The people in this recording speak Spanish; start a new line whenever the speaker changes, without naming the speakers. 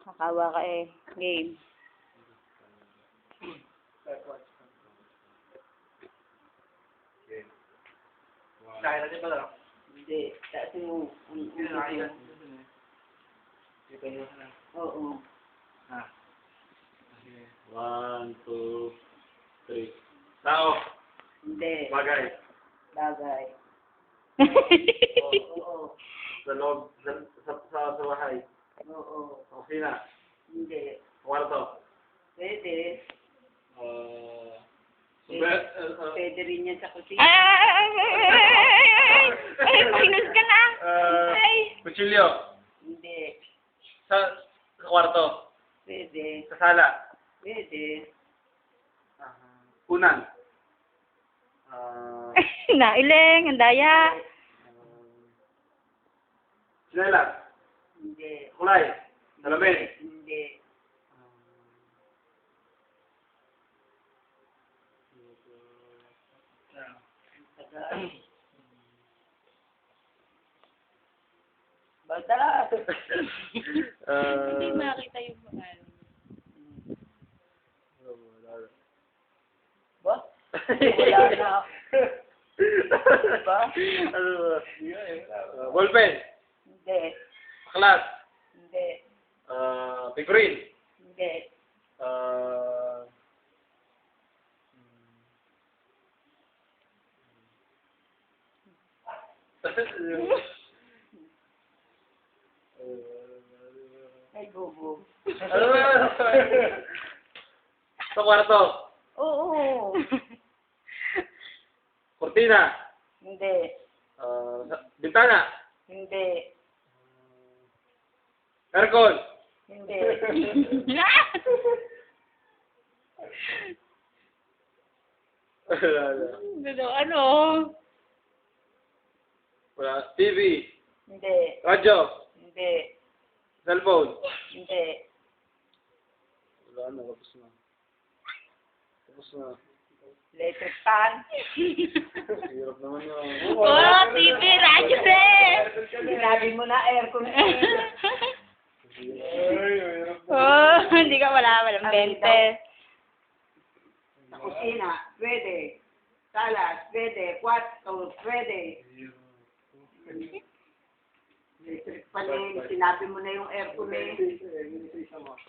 Kakawa ka eh. Game.
Kaya natin ba lang?
Hindi. Kasi yung...
Hindi na kaya.
Oo.
Ah. 1, 2, 3. Tao.
Hindi.
Bagay.
Bagay. Oo.
Sa loob. Sa bahay.
Oo.
Opisina.
Hindi.
Kwarto.
Pwede. Pwede rin yan sa kusina.
Ay, minus ka na. Ay.
Kutsilyo.
Hindi.
Sa kwarto.
Pwede.
Sa sala.
Pwede.
Unan.
Nailing, ang daya.
Sinelas.
Hindi.
Kulay. Salamin.
Hindi. Basta.
Hindi makita yung mga.
Ba? Wala na. Ba?
Ano ba? Ballpen.
Hindi.
Aklat.
Hindi.
Figurine.
Hindi. Ay, bubo.
Sa kwarto.
Oo.
Cortina.
Hindi.
Bintana.
Hindi.
Aircon.
Hindi.
Ano?
Wala. TV.
Hindi.
Radyo.
Hindi.
Cellphone.
Hindi.
Wala na. Tapos na. Tapos na.
Electric fan.
Hirap naman yun.
Oh, TV, radyo eh.
Sinabi mo na aircon.
Oh, hindi ka walang 20.
Sa kusina, pwede. Salas, pwede. Kwarto, pwede. Electric fan eh. Sinabi mo na yung aircon eh.